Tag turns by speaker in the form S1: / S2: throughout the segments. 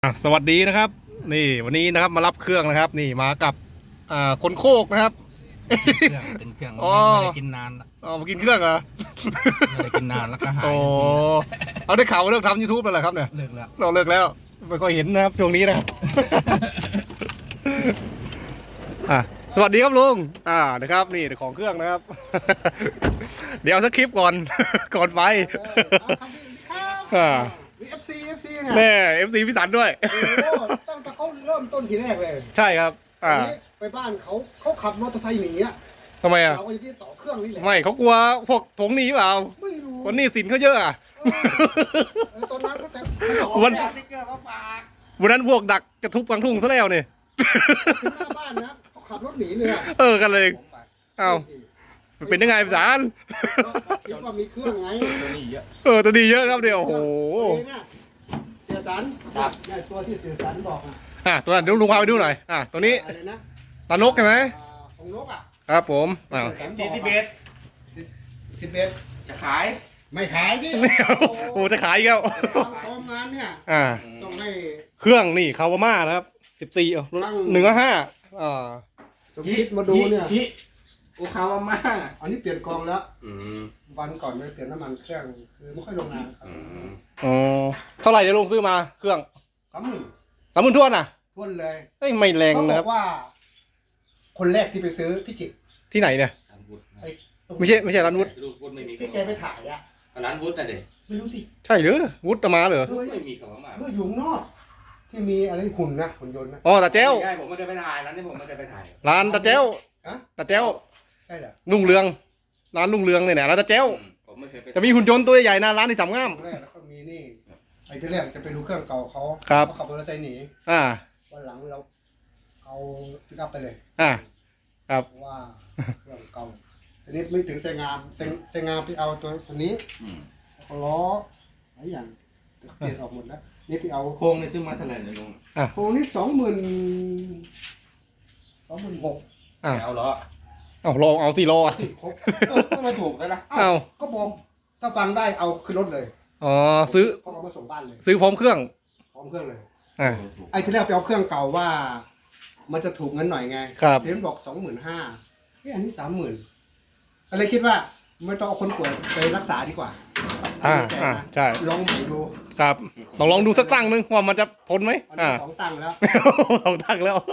S1: สวัสดีนะครับนี่วันนี้นะครับมารับเครื่องนะครับนี่มากับคนโคกนะครับ
S2: เป็นเครื่อง
S1: อ๋อ
S2: ไม่ได้กินนานละ
S1: มากินเครื่องเหรอ
S2: ไม่ได้กินนานแล้วก็หาย
S1: โอ้เอาได้ข่าวเลิกทำ YouTube แล้วเหรอครับเนี่ย
S2: เลิกแล้ว
S1: เราเลิกแล้วไม่ค่อยเห็นนะครับช่วงนี้นะครับ สวัสดีครับลุงนะครับนี่ของเครื่องนะครับ เดี๋ยวสักคลิปก่อน ก่อนไป
S3: FC เนี่ย
S1: แม่ FC พี่สันด้วย
S3: โอ้ตั้งแต่เขาเริ่มต้นทีแรกเลย
S1: ใช่ครับ
S3: ไปบ้านเขาขับมอเตอร์ไซค์หนีอ่ะ
S1: ทำไมอ่ะ
S3: เราก็จะพี่ต่อเครื่องนี่แหละ
S1: ไม่เขากลัวพวกถงหนีเปล่า
S3: ไม่รู้
S1: คนนี้สินเขาเยอะอ่ะ
S3: ตอนนั้นก็แต่
S1: วันนั้นพวกดักกระทุบกลางทุ่งซะแล้วเนี่ย
S3: ถึงหน้าบ้านนะเขาขับรถหนีเลยอ่ะ
S1: กันเลยเอ้ามันเป็นยังไงพี่สาร
S3: คิดว่ามีเครื่องไง
S2: ตัวนี้เยอะ
S1: ตัวดีเยอะครับเดี๋ยวโอ้โห
S3: เสียสันตัวที่เสียสันบอก
S1: ตัวนั้นเดี๋ยวลุงพาไปดูหน่อยตัวนี้ตานกใช่ไหม
S3: ของนกอ่ะ
S1: ครับผม
S2: ที่11จะขาย
S3: ไม่ขายดิ
S1: โอ้จะขายอีกแล้ว
S3: ทำงานเนี่ยต้องให้
S1: เครื่องนี่คาวาม่านะครับ14 1.5
S3: สมคิดมาดูเนี่ย
S2: โอคาวาม่า
S3: อันนี้เปลี่ยนกองแล้ววันก่อนไปเปลี่ยนน้ำมันเครื่องคือไม่ค่อยลงนาน
S1: เท่าไหร่จะลงซื้อมาเครื่อง30,000ทวน
S3: ทวนเลย
S1: ไม่แรงนะครับ
S3: เขาบอกว่าคนแรกที่ไปซื้อพี่จิต
S1: ที่ไหนเนี่ยไม่ใช่ร้านวุฒิ
S3: ที่แกไปถ่ายอ่ะ
S2: ร้านวุฒิน่ะเด็
S3: ไม่รู้ที่
S1: ใช่หรือวุฒิมาเหรอ
S2: ไม่มีคาวาม่า
S3: เมื่ออยู่นอกที่มีอะไรหุ่นนะหุ่นยนต์นะ
S1: ตาเจ้า
S2: ใช่ผมไม่ได้ไปถ่ายร้านนี้ผมไม่ได้ไปถ่าย
S1: ร้านตาเจ้าตาเจ้า
S3: ใช่เหรอ
S1: รุ่งเรืองร้านรุ่งเรืองเนี่ยร้านตาเจ้า
S2: ผมไม่เคยไป
S1: จะมีหุ่นยนต์ตัวใหญ่นะร้านที่สามงาม
S3: แล้วก็มีนี่ไอ้ที่แรกจะไปดูเครื่องเก่าเขาขับมอเตอร์ไซค์หนีวันหลังเราเอาพิกอัพไปเลย
S1: ครับ
S3: ว่าเครื่องเก่าทีนี้ไม่ถึงเซงามไปเอาตัวนี้ล้อหลายอย่างเปลี่ยนออกหมดแล้วนี่ไปเอา
S2: โครงในซื้อมาเท่าไหร่เนี่ยลุง
S3: โครงนี่26,000
S2: เอาล้อ
S1: ลองเอา4 ล้อ
S3: ครบ
S2: ไม่ถูกแล้วนะ
S3: ก็บอกถ้าฟังได้เอาขึ้นรถเลย
S1: ซื้อ
S3: เขามาส่งบ้านเลย
S1: ซื้อพร้อมเครื่อง
S3: เลยไอ้ที่แรกไปเอาเครื่องเก่าว่ามันจะถูกเงินหน่อยไงเห็นบอก25,000อันนี้30,000อะไรคิดว่าไม่ต้องเอาคนป่วยไปรักษาดีกว่า
S1: ใช่
S3: ลองใหม่ดู
S1: ครับลองดูสักตั้งนึงว่ามันจะทนไหม
S3: 2 ตั้งแล้ว
S1: 2 ตั้งแล้ว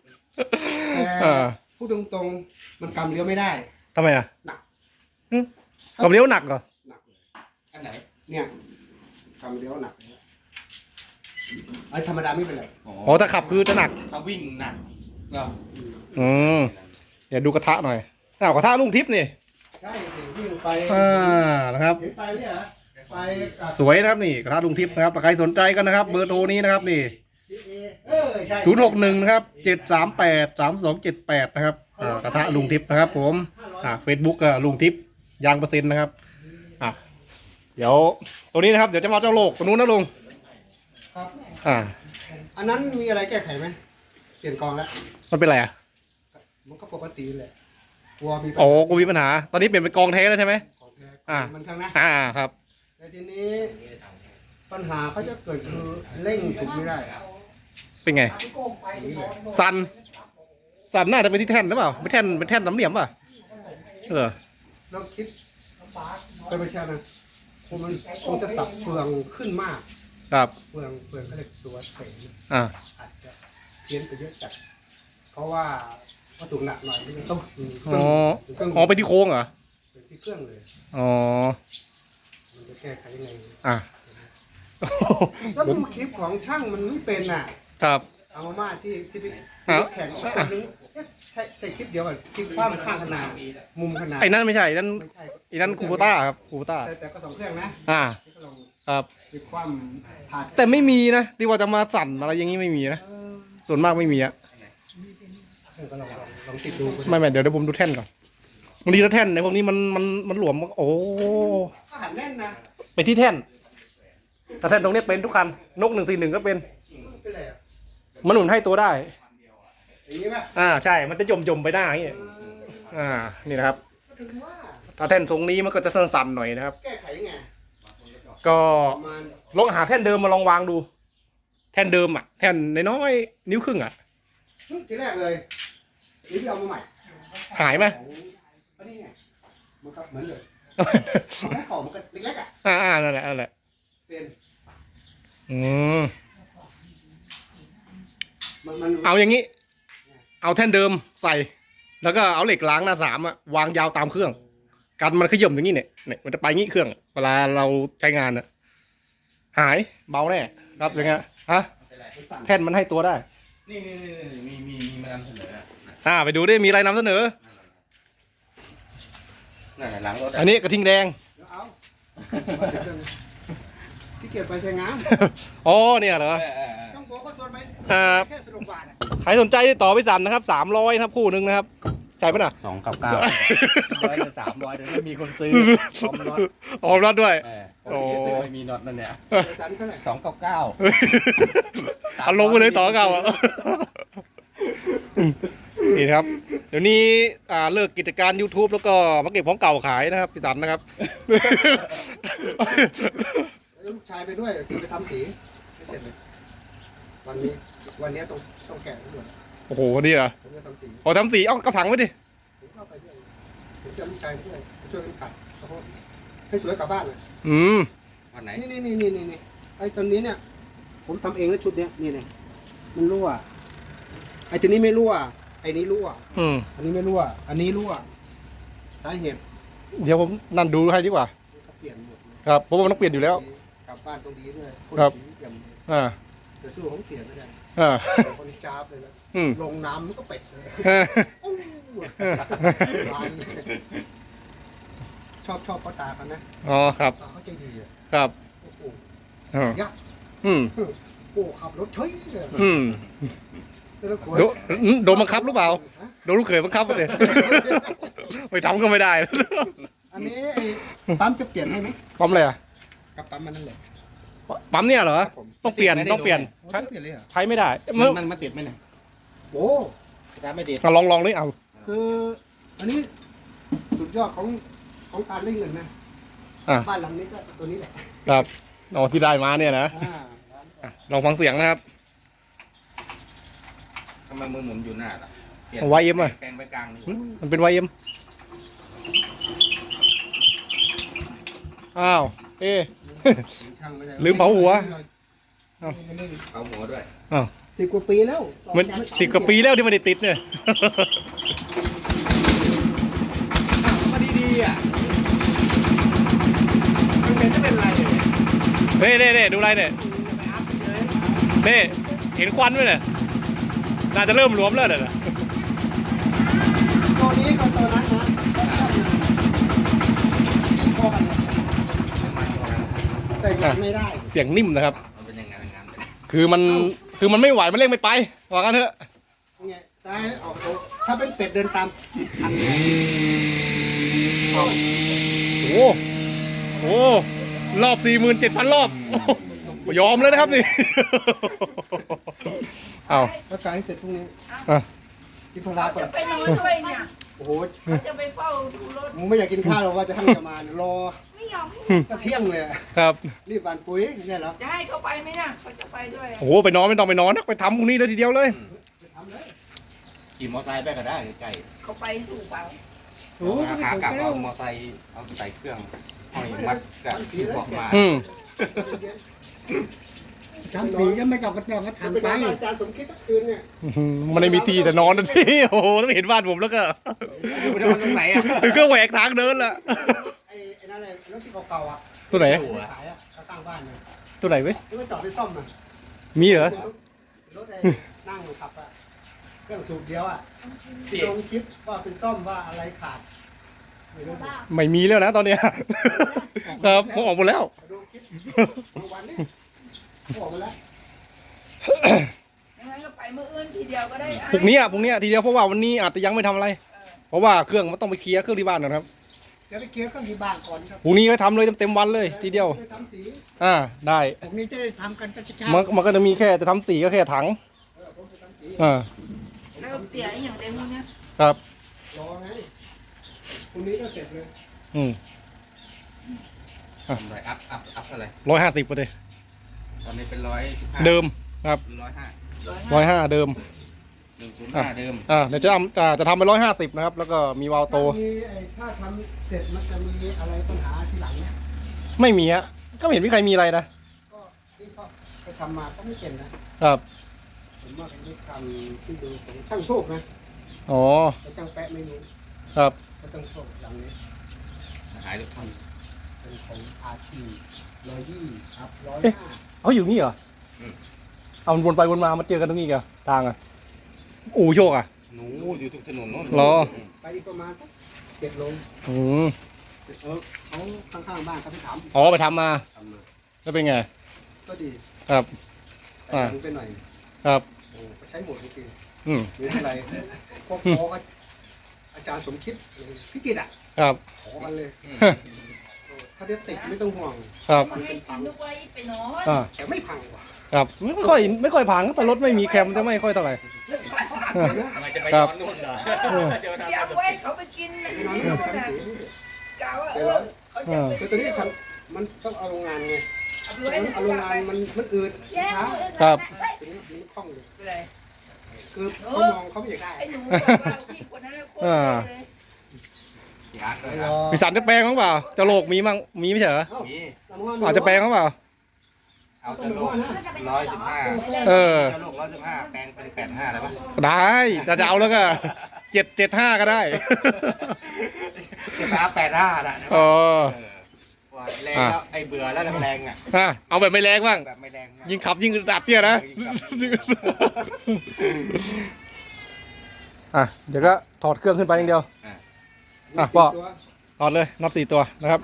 S3: พูดตรงๆมันกำเลี้ยวไม่ได้
S1: ทำไม
S3: หนัก
S1: กำเลี้ยวหนักเหรอ
S3: หนัก
S2: อันไหน
S3: เนี่ยกำเลี้ยวหนักไอ้ธรรมดาไม่เป็นไร
S1: ถ้าขับคือจะหนัก
S2: ถ้าวิ่งหนักก็
S1: เดี๋ยวดูกระทะหน่อยกระทะลุงทิพย์นี่
S3: ใช่วิ่งไป
S1: นะครับ
S3: ไปเนี่ยไป
S1: สวยนะครับนี่กระทะลุงทิพย์นะครับใครสนใจกันนะครับเบอร์โทรนี้นะครับนี่061นะครับ7383278นะครับกระทะลุงทิพย์นะครับผมFacebook ลุงทิพย์ยางเปอร์เซ็นต์นะครับเดี๋ยวตัวนี้นะครับเดี๋ยวจะมาเจ้าโลกตัวนู้นนะลุง
S3: ครับอันนั้นมีอะไรแก้ไขไหมเปลี่ยนกองแล้ว
S1: มันเป็นอะไร
S3: มันก็ปกติแหละกลัวมี
S1: กูมีปัญหาตอนนี้เปลี่ยนเป็นกองแท้แล้วใช่ไหม
S3: มันข้างนะครับแต่ทีนี้ปัญหาเขาจะเกิดคือเร่งสุดไม่ได้
S1: เป็นไงสันน่าจะเป็นที่แท่นหรือเปล่าไม่แท่นเป็นแท่นสามเหลี่ยมป่ะ
S3: เราคิดไปใช่ไหมคงจะสับเฟืองขึ้นมาก
S1: ครับ
S3: เฟืองเขาเรียกตัวเต๋อาจจะเพี้ยนไปเยอะจัดเพราะว่าวัตถุหนักหน่อยนี่
S1: ต้องไปที่โค้งเหรอ
S3: เป็นที่เครื่องเลยมันจะแก้ไขยังไงแล้วดูคลิปของช่างมันไม่เป็น
S1: ครับ
S3: เอามาที่แข่งคนนึงใช่คลิปเดียวกันคลิปความข้างขนาดมุมขนาด
S1: ไอ้นั่นไม่ใช่นั่นคูโบต้าครับคูโบต้า
S3: แต่ก็2 เครื่องนะครับคลิปความผ่าน
S1: แต่ไม่มีนะที่ว่าจะมาสั่นอะไรอย่างนี้ไม่มีนะส่วนมากไม่มี
S3: ลองติดดู
S1: ไม่เดี๋ยวผมดูแท่นก่อนบางทีถ้าแท่นในพวกนี้มันหลวมโอ้
S3: หันแน่นนะ
S1: ไปที่แท่นถ้าแท่นตรงนี้เป็นทุกคันนก141ก็เป็นมันหนุนให้ตัวได้
S3: อย่างนี้ป่
S1: ะใช่มันจะยมไปหน้าอย่างนี้นี่นะครับถ้าแท่นทรงนี้มันก็จะสั่นๆหน่อยนะครับ
S3: แก้ไขยังไง
S1: ก็ลองหาแท่นเดิมมาลองวางดูท่นเดิมอ่ะแท่นน้อยๆนิ้วครึ่งอ่ะ
S3: ทีแรกเลยนี่พี่เอามาใหม่
S1: หายไหม
S3: ของอันนี้ไงมันก็เหมือนเลยของเก่ามันก็เล็กๆอ่ะ
S1: นั่นแหละนั่นแหละ
S3: เป็น
S1: อืม
S3: มัน
S1: เอาอย่างนี้ เอาแท่นเดิมใส่ แล้วก็เอาเหล็กล้างหน้าสามอะวางยาวตามเครื่อง กันมันขย่มอย่างนี้เนี่ยมันจะไปงี้เครื่อง เวลาเราใช้งานอะหายเบาแน่ครับอย่างเงี้ยฮะ
S2: ไม่เป็นไร
S3: สั่น
S1: แท่นมันให้ตัวได้
S2: นี่มีมานำเสนออ่ะ
S1: ไปดูดิมีอะไรนำเสนอ
S2: นั่นน่ะหลังรถ
S1: อันนี้กระทิงแดง
S3: เดี๋ยวเอาที่เกียจไปใช้งาน
S1: อ๋อเนี่ยเหรอ
S3: ต้องโบก็ส่วนไป
S1: ครับ
S3: แค่สนุกบาทอ่ะ
S1: ใครสนใจติดต่อไปสั่นนะครับ300นะครับคู่หนึ่งนะครับใช่ปะน่ะ
S2: 299 100หรือ300เดี๋ยวไม่มีคนซื้อพร้อมน็อต
S1: อ๋อรอดด้วย
S2: โอ้ไม่มีน็อตนั่นเนี่ย
S3: สันเท่าไหร่
S2: 299
S1: เอาลงไปเลยต่อเก่าอ่ะ นี่นะครับ เดี๋ยวนี้เลิกกิจการ YouTube แล้วก็มาเก็บของเก่าขายนะครับพี่สันนะครับ
S3: ลูกชายไปด้วยไปทำสีไม่เสร็จเลยวันนี้ต้องแกะด้วย
S1: โอ้โหนี่เหรอ
S3: ผมจะทำสี
S1: พอทำสีเอากระถางไว้ดิ
S3: ผมก็ไปด้วยผมจะลูกชายไปด้วยไปช่วยกันขัดข้าวโพดให้สวยกลับบ้านเลย
S1: อืม
S2: วันไหน
S3: นี่ไอ้ตัวนี้เนี่ย ผมทำเองแล้วชุดเนี้ยนี่มันรั่วไอ้ตัวนี้ไม่รั่วไอ้นี้รั่ว
S1: อืม
S3: อันนี้ไม่รั่วอันนี้รั่วสาเหตุ
S1: เดี๋ยวผมนั่นดูให้ดีกว่า
S3: เขาเปลี่ยนหมดเลย
S1: ครับเพราะว่ามันต้องเปลี่ยนอยู่แล้ว
S3: กลับบ้านตรงนี้ด้วยคน
S1: ครับ
S3: สีเปี่ยมเลย
S1: อ่า
S3: แต่สู้ของเสียไม่ได้
S1: อ่า
S3: คนจ้าบเลยนะ
S1: อืม
S3: ลงน้ำมันก็เป็ดเลยอู้ร้านเลยชอบพ่อตาเขานะ
S1: อ๋อครับ
S3: ตาเขาใจดีอ่ะ
S1: ครับ
S3: โอ้โห
S1: อ่า
S3: ยักษ์
S1: อืม
S3: โอ้ขับรถเฉยเลย
S1: อืม
S3: แล้วขวด
S1: โดนบังคับหรือเปล่า
S3: ฮะ
S1: โดนลูกเขยบังคับไปเลย ไปทำก็ไม่ได้
S3: อันนี้ไอ้ปั๊มจะเปลี่ยนให้ไหม
S1: ปั๊มอะไรอ่ะ
S3: กับปั๊มมันนั่นแหละ
S1: ปั๊มเนี่ยเหรอ
S3: ครับผม
S1: ต้องเปลี่ยน
S2: ไม่ได้
S1: ต้องเปลี่ยน
S3: โอ้
S1: ใช้
S3: ต้องเปลี่ยนเลยเหรอ
S1: ใช้ไม่ได้
S2: มันติดไหมเนี่ย
S3: โอ้
S2: ถ้าไม่ติด
S1: ลองเลยเอา
S3: คืออันนี้สุดยอดของการเล่นเงินนะ
S1: อ่ะ
S3: บ้านหลังนี้ก็ตัวนี้แหละ
S1: ครับอ๋อที่ได้มาเนี่ยนะ
S3: อ่า
S1: อ่ะลองฟังเสียงนะครับ
S2: ทำไมมือหมุนอยู่หน้าล่ะปลี่น
S1: เอาไว้เอ็มอะ
S2: แกงไปกลางนี่
S1: มันเป็น YM อ้าวเอ๊ะ
S3: ช่างไได้
S1: ลืมเผาหัว
S2: เอาหัวด้วย
S1: อ้าว
S3: 10 กว่าปีแล้ว
S1: มัน10 กว่าปีแล้วที่มันได้ติดเนี่ย
S2: ก็ดีๆอ่ะมันเป็นจะเป็นไรเนี่ย
S1: เน่ดูอะไรเนี่ยเน่เห็นควันไหมเนี่ยน่าจะเริ่มหลวมแล้วเนี่ย
S3: ตัวนี้กับตัวนั้นนะพอกันเลย
S2: มันพอกัน
S3: แต่ยังไม่ได้
S1: เสียงนิ่มนะครับ
S2: มันเป็นอย่างนั้นไป
S1: คือมันไม่ไหวมันเร่งไม่ไปว่ากันเถอะ
S3: ไงซ้ายออกตัวถ้าเป็นเป็ดเดินตามทันเลย
S1: โอ้โหรอบ 47,000 รอบยอมเลยนะครับนี่ เอา
S3: แล้วกายเสร็จพรุ่งนี้
S1: อ่ะ
S3: กินพลาก่อน
S4: ไปนอนด้วยเนี่ย
S3: โอ้โห
S4: เขาจะไปเฝ้าดูรถ
S3: มึงไม่อยากกินข้าวหรอกว่าจะให้จะมาเนี่ยรอ
S4: ไม่ยอม
S3: ก็เที่ยงเลยอะ
S1: ครับ
S3: รีบหวานปุ๋ยเนี่ยเหรอ
S4: จะให้เขาไปไหมเนี่ยเขาจะไปด้วย
S1: โอ้โหไปนอนไม่ต้องไปนอนนะไปทำพรุ่งนี้เลยทีเดียวเลย
S3: ไปทำเลย
S2: ขี่มอไซค์ไปก็ได้ใกล้
S4: เขาไปถูกเปล่า
S2: ๆเอาขากลับเอามอไซค์เอาใส่เครื่องห้อยมัดกับที่เบาะมา
S1: อืม
S3: ทำสีก็ไม่กลับกระจองก็ทำไปอาจารย์สมคิดทั้งคืนเนี่ย
S1: มันไม่มีทีแต่นอนนะที่ โอ้โหต้องเห็นบ้านผมแล้วก็
S2: ไปโดนตรงไหนอ่ะ
S1: ถึงก็แหวกทางเดินละ
S3: ไอ้นั่นเลยรถที่เก่าๆอ่ะ
S1: ตัวไหน
S3: ขายอ่ะเขาตั้งบ้านเนี่ย
S1: ตัวไหนเว้ย
S3: ที่มันจอดไปซ่อมอ่ะ
S1: มีเหรอ
S3: รถไอ้นั่งขับอ่ะเครื่องสูบเดียวอ่ะลงคลิปว่าไปซ่อมว่าอะไรขาดไม่รู้ดิ
S1: ไม่มีแล้วนะตอนเนี้ยครับผมออกหมดแล้ว
S3: ดูคลิปดูวันนี้บอกมาแล้ว
S4: อย่างนั้นก็ไปเมื่ออื่นทีเดียวก็ได้
S1: พรุ่งนี้ทีเดียวเพราะว่าวันนี้อาจจะยังไม่ทำอะไร เพราะว่าเครื่องมันต้องไปเคลียร์เครื่องที่บ้านนะครับ
S3: เดี๋ยวไปเคลียร์เครื่องที่บ้านก่อนครับ
S1: พรุ่งนี้ก็ทำเลยเต็มวันเลยทีเดียว
S3: ไปทำสี
S1: ได้
S3: ผมนี้จะได้ทำกันก็เช้า
S1: มันก็จะมีแค่จะทำสีก็แค่ถัง
S3: ผมจะทำสี
S4: แล้วเสียอย่างเดียวเนี่ย
S1: ครับ
S3: รอไงพรุ่งนี้ก็เสร็จเลย
S1: อืม
S2: ทำไรอัพเท่าไหร่
S1: 150ไปเลย
S2: ตอนนี้เป็น115
S1: เดิมครับ
S2: หรือ105
S1: 105เดิม
S2: 105เดิม
S1: เดี๋ยวจะทำไป150นะครับแล้วก็มีวาล์วโต
S3: มีไอ้ถ้าทำเสร็จมันจะมีอะไรปัญหาทีหลังเนี่ย
S1: ไม่มีฮะก็ไม่เห็นมีใครมีอะไรนะ
S3: ก็ที่เขาไปทำมาก็ไม่เป็นนะครับ ผมว่าเป็นที่ทำที่ดูของช่างโชคนะ
S1: อ๋อ
S3: แต่ช่างแปะไม่รู้
S1: ครับ
S3: ก็ช่างโชคหลังนี้
S2: หายรถทัน
S3: เป็นของอาที120ครับ105
S1: เขาอยู่นี่เหรอเอามันวนไปวนมามาเจอกันตรงนี้กันทางอ่ะอู่โชคอ่ะ
S2: หนูอยู่ทุกถนนโน้น
S1: รอ
S3: ไปอีกประมาณสัก7 โล
S1: อืม
S3: เขาข้างๆบ้านเขาไปถาม
S1: อ๋อไปทำมา
S3: ทำมา
S1: แล้วเป็นไง
S3: ก็ดี
S1: ครับ
S3: แต่ถึงไปหน่อย
S1: ครับ
S3: โอ้ก็ใช้หมดจริง
S1: อืม
S3: ๆหรืออะไรพวกขอก็อาจารย์สมคิดพิจิตรอ่ะ
S1: ครับ
S3: ขอกันเลยถ้าเด็ดติดไม่ต้องห่วง
S1: ครับ
S4: มาให้กินนึกว่าไปนอน
S3: แต่ไม่พังกว่า
S1: ครับไม่ค่อยพังแต่รถไม่มีแคมจะไม่ค่อยเท่าไหร่
S2: ทำไมจะไป
S1: ครั
S2: ย้
S1: บ
S2: อนนู่นเหรอจะมา
S4: อยาก
S2: ทำ
S4: ไว้เขาไปกินนะ
S3: ไม่นอน
S4: นู่น
S3: ไม่
S4: น่ะ
S3: ทำสี
S4: กะว่าเขาจะไป
S3: คือตัวนี้มันต้องเอาโรงงานไง
S4: เอาไปไว้
S3: เอาโรงงานมันอืดช้า
S1: ครับ
S3: ตัวนี้มันคล่องเลย
S4: ไปเลย
S3: คือเขามองเขาไม่อยากได้
S4: ไอ้หนูบอกว่าพี่คนนั้นโคตรเลย
S2: อยากเลย
S1: พิสันจะแปลงมั้งเปล่าจะโลกมีมั้งมีไม่ใช่เหรอ
S3: เอ้า
S2: มี
S1: อาจจะแปลงมั้งเปล่า
S2: เอาจะโลก115
S1: เออ
S2: จะโลก115แปลงเป็น85ได้ปะ
S1: ได้จะเอาแล้วก็775ก็ได้
S2: จะไปเอา85นะ
S1: อ๋อ
S2: ว่าแรงแล้วไอ้เบื่อแล้วแรงอ่ะ
S1: เอาแบบไม่แรงบ้าง
S2: แบบไม่แรง
S1: ยิงขับยิงดัดเนี่ยนะ เดี๋ยวก็ถอดเครื่องขึ้นไปอย่างเดียว พ่อ ถอดเลยนับ4 ตัวนะครับ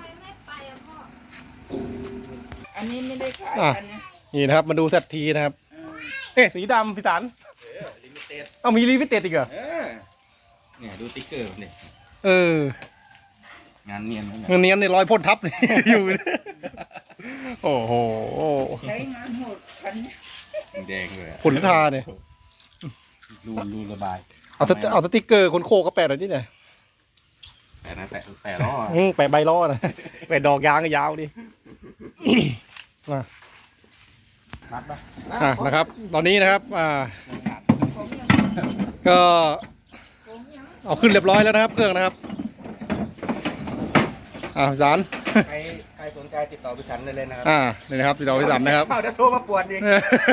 S4: อันนี้ไม่ได้ขายกันนะ
S1: นี่นะครับมาดูเซตทีนะครับสีดำพี่สัน
S2: ลิมิเต็ด
S1: เอามีลิมิเต็ดอีกเหรอ
S2: เนี่ยดูติ๊กเกอร์มันดิ
S1: เออ
S2: งานเนียนนะ
S1: เงินเนี้ยในรอยพ่นทับ อยู่ โอ้โห
S4: ใช้งานโหดคันนี้
S2: แดงเลย
S1: ผลทาเนี่ย
S2: รูระบาย
S1: เอาสติ๊กเกอร์คนโคก็แปะหน่อยนิดหน่อย
S2: แต่ล้อ
S1: แปะใบล้อนะแปะดอกยางก็ยาวดิ
S2: มัดปะ
S1: นะครับ ตอนนี้นะครับก็ เอาขึ้นเรียบร้อยแล้วนะครับ เครื่องนะครับพี่สัน
S2: ใครสนใจติดต่อพิสันได้เลยนะครับ
S1: นี่นะครับติดต่อพี่สันนะครับ
S2: เดี๋ยวโทรมาปวดดิ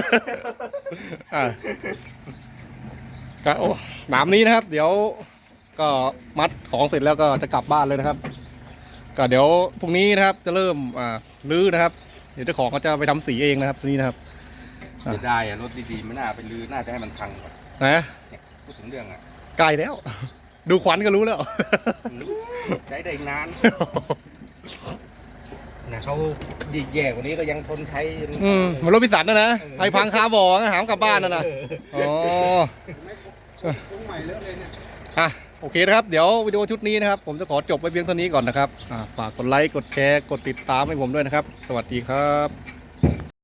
S1: ก็โอ้หนามนี้นะครับ เดี๋ยวก็มัดของเสร็จแล้วก็จะกลับบ้านเลยนะครับ ก็เดี๋ยวพรุ่งนี้นะครับจะเริ่มรื้อนะครับ เดี๋ยวเจ้าของก็จะไปทำสีเองนะครับตัวนี้นะครับ
S2: เสียดายรถดีๆไม่น่าไปลื้อน่าจะให้มันพังก่อน
S1: นะ
S2: พูดถึงเรื่อง
S1: ใกล้แล้ว ดูขวัญก็รู้แล้ว
S2: ใช้ได้อีกนานนะเขาแย่กว่านี้ก็ยังทนใช้
S1: เหมือนรถพิสันนะไอ้พังคาบ่อหามกลับบ้านนะอ๋อ
S3: ตรงใหม่เลอะเลยเนี่ย
S1: โอเคนะครับ เดี๋ยววิดีโอชุดนี้นะครับ ผมจะขอจบไว้เพียงเท่านี้ก่อนนะครับฝากกดไลค์ กดแชร์ กดติดตามให้ผมด้วยนะครับ สวัสดีครับ